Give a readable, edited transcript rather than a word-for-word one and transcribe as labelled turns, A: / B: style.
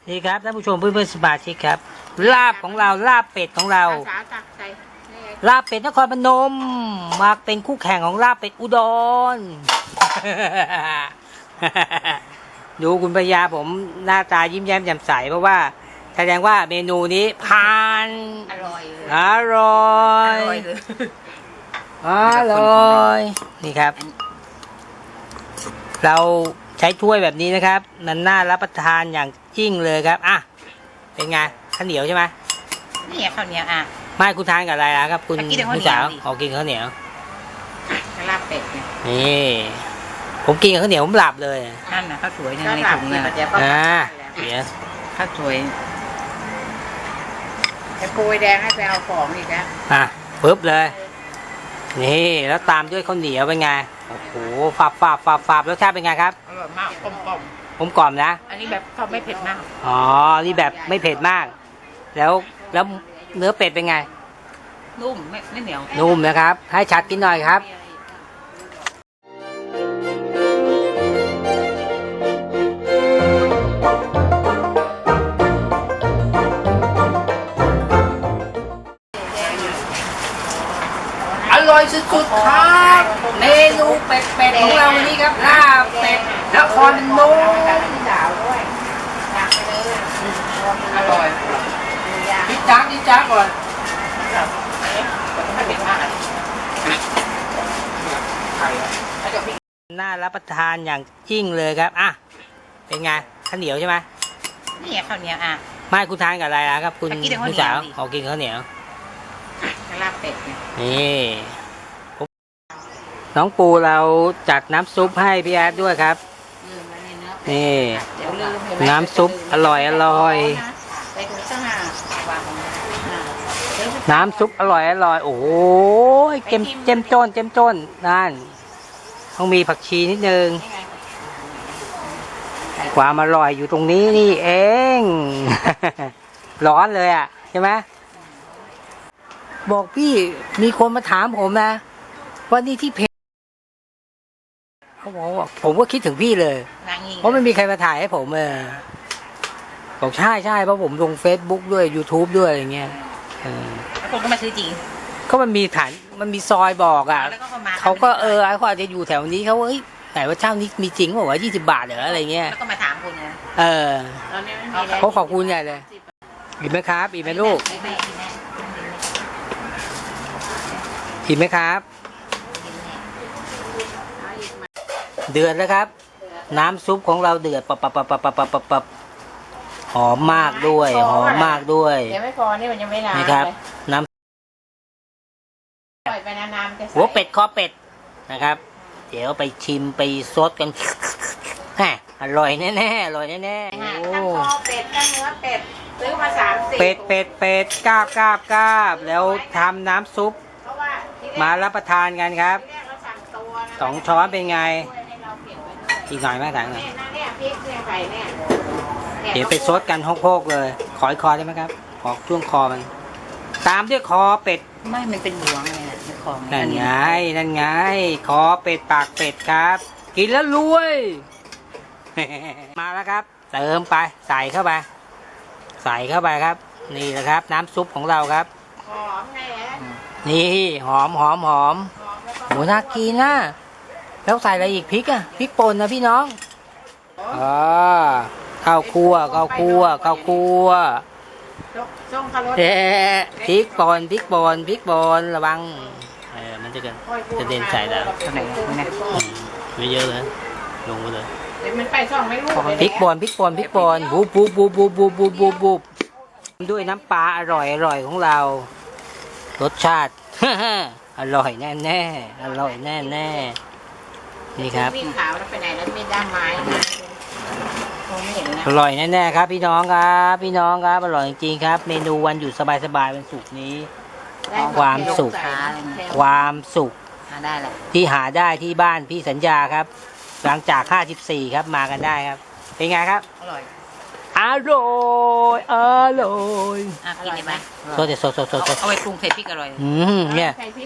A: นี่ครับท่านผู้ชมเพื่อนๆสมาชิกครับลาบของเราลาบเป็ดของเราลาบเป็ดนครพนมมาเป็นคู่แข่งของลาบเป็ดอุดร ดูคุณปยาผมหน้าตายิ้มแย้มแจ่มใสเพราะว่าแสดงว่าเมนูนี้ผ่าน
B: อร่อยเลย
A: อร่อยอร่อยนี่ครับ เราใช้ถ้วยแบบนี้นะครับมันน่ารับประทานอย่างยิ่งเลยครับอ่ะเป็นไงข้าวเหนียวใช่ไหม
B: นี่ข้าวเหนียวอ่ะ
A: ไม่คุณทานกับอะไรล่ะครับคุณ
B: กินกับข้าว
A: ผู้
B: เหนียว
A: สาว
B: ดิ
A: ขอกินข้าวเหนียว
B: ลาบเป็ดเนี่ย
A: นี่ผมกินกับข้าวเหนียวผมหลับเลย
B: นั่นนะข้าวสวยในถุงเนี่ย
A: เดี๋ยว
B: ข้าวสวยไอ้ปูแดงให้ไปเอาของอีกแล้ว
A: อ่ะปึ๊บเลยนี่แล้วตามด้วยข้าวเหนียวเป็นไงโอ้โหฝาบรสชาติเป็นไงครับ
B: อร่อยมากกลม
A: ผมกล่อมนะ
B: ๆอันนี้แบบเขาไม่เผ็ดมาก
A: อ๋อนี่แบบไม่เผ็ดมาก แล้วเนื้อเป็ดเป็นไง
B: นุ่มไม่เหนียว
A: นุ่มนะครับให้ชัดกินหน่อยครับอร่อยสุดๆครับเมนูเป็ดของเราวันนี้ครับลาบเป็ดนครพนม
B: อร่อย
A: จิ๊จ้าก่อน
B: ไม่เผ็ดมาก
A: น่ารับประทานอย่างยิ่งเลยครับอ่ะเป็นไงข้าวเหนียวใช่ไหม
B: นี่ข้าวเหนียวอ่ะ
A: ไม่คุณทานกับอะไรล่ะครับคุณ
B: กินกับข้าวเหนียว
A: ผู้สาว
B: ดิ
A: ขอกินข้าวเหนียว
B: ลาบเป็ดเนี่ย
A: นี่น้องปูเราจัดน้ำซุปให้พี่แอดด้วยครับนี่
B: เดี๋ยวลืม
A: น้ำซุปอร่อย
B: ไปดูซะหาวาง
A: น้ำซุปอร่อยโอ้โหเจ้มจ้นนั่นต้องมีผักชีนิดนึงความอร่อยอยู่ตรงนี้นี่เอง ร้อนเลยอ่ะใช่ไหมบอกพี่มีคนมาถามผมนะว่านี่ที่เพจเขาบอกว่าผมก็คิดถึงพี่เลย เพราะไม่มีใครมาถ่ายให้ผมบอกใช่เพราะผมลง Facebook ด้วย YouTube ด้วยอะไรเงี้ย
B: แล้วคนก็มาซื้อจริง
A: ก็มันมีฐานมันมีซอยบอกอ่ะ
B: แล้วก็มา
A: เขาก็เขาอาจจะอยู่แถวนี้เขาเอ้ยไหนว่าเจ้านี้มีจริงบอกว่า20 บาทเหรออะไรเงี้ย
B: แล้วก็มาถามคุณนะ ตอนนี้ไม่มี
A: เขาขอบคุณใหญ่เลยอิ่มไหมครับอิ่มไหมลูกอิ่มไหมครับ เดือดแล้วครับ น้ำซุปของเราเดือดปับหอมมากด้วยหอมมากด้วย
B: เดี๋ยวไม่พอนี่มันยังไม่ล้าง
A: นี่ครับ น้ำ
B: ปล่อยไปนานๆจะ
A: หัวเป็ดคอเป็ดนะครับ เดี๋ยวไปชิมไปซดกันฮะอร่อยแน่ๆอร่อยแน่ๆ
B: ทั้ง
A: โอ้
B: คอเป็ดทั้งเนื้อเป็ดซื้อมา30
A: เป็ดกราบแล้วทำน้ำซุป
B: เพราะว่าที่แรก
A: มารับประทานกันครับ
B: เราสั่งตัวนะ
A: 2 ช้อนเป็นไง
B: ให้เราเก็บไว้ด้วย
A: อีกหน่อยไหมถังหน่อย
B: เนี่ยพริกเนี่ยไข่เนี่ย
A: เดี๋ยวไปซดกันโคกๆเลย ขออีกคอได้ไหมครับ ขอช่วงคอมัน ตามด้วยคอเป็ด
B: ไม่มันเป็นหลวงเลยนะของ
A: นั่นไงคอเป็ดปากเป็ดครับ กินแล้วรวย มาแล้วครับ เติมไปใส่เข้าไปครับ นี่แหละครับ น้ำซุปของเราครับ
B: หอมไงฮะ
A: นี่หอมโหน่ากินนะแล้วใส่อะไรอีกพริกอะพริกป่นนะพี่น้องข้าวคั่ว
B: ส่งคารถ
A: พริกป่นระวังมันจะเด่นใส่แล้ว
B: ไหนเนี่ย
A: ไม่เยอะเลยลงไปเลย
B: เดี๋ยวมันไปส่องไม่รู้
A: พริกป่นบุบด้วยน้ำปลาอร่อยของเรา รสชาติ อร่อยแน่นี่ครับ
B: วิ่งขาวแล้วไปไหนแล้วมีด้ามไม้นะคงไม่เห็นนะ
A: อร่อยแน่ๆครับพี่น้องครับอร่อยจริงๆครับ เมนูวันหยุดสบายๆวันศุกร์นี้ ความสุข
B: ได้แหละ
A: ที่หาได้ที่บ้านพี่สัญญาครับ หลังจาก54ครับมากันได้ครับ เป็นไงครับ
B: อร่อย
A: อร่อย
B: กินได้ไหม
A: สด
B: เอาไปปรุงใส่พริกอร่อย
A: เนี่ย